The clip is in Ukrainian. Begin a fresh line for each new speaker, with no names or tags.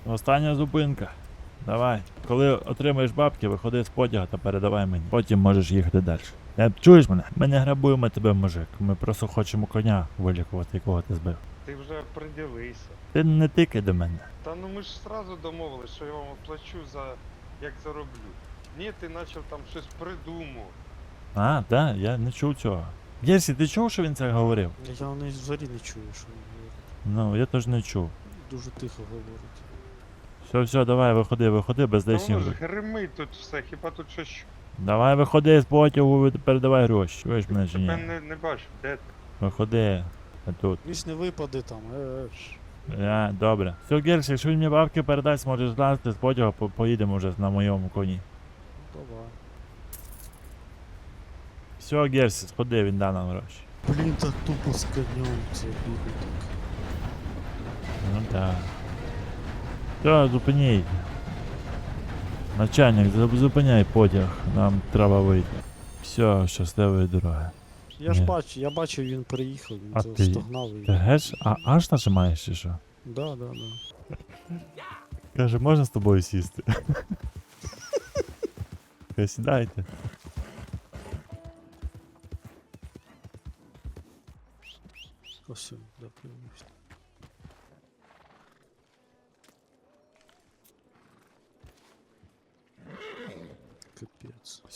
Остання зупинка. Давай. Коли отримаєш бабки, виходи з потяга та передавай мені. Потім можеш їхати далі. Чуєш мене? Ми не грабуємо тебе, мужик. Ми просто хочемо коня вилікувати, якого ти збив.
Ти вже приділися.
Ти не тикай до мене.
Та ну ми ж сразу домовились, що я вам оплачу за як зароблю. Ні, ти почав там щось придумав.
А, так, я не чув цього. Єрсі, ти чув, що він це говорив?
Я взагалі не чую, що він говорить.
Ну, я теж не чув.
Дуже тихо говорить.
Все, давай, виходи без
Та
лишніх.
воно ж гримить тут все, хіба тут щось.
Давай виходи з потягу, передавай гроші. Чуєш мене чи ні?
Тебе не бачу, де ти?
Виходи. А тут.
Він ж не випаде там.
Добре. Все, Герш, якщо він мені бабки передасть, можеш злазити з потяга, поїдемо вже на моєму коні.
Давай.
Все, Герсі, сходи, він дав нам гроші.
Блін, так тупо з конем це бігає так.
Ну так. Все, зупиніть. Начальник, зупиняй потяг, нам треба вийти. Все, щасливої дороги.
Я ж
Ні.
бачу, я бачив, він приїхав, він
А
це
ти-
стогнав і.
Ти геш, аж нажимаєш чи що?
Да.
Каже, можна з тобою сісти? Каже, сідайте.
Ось, да, появився. Капець.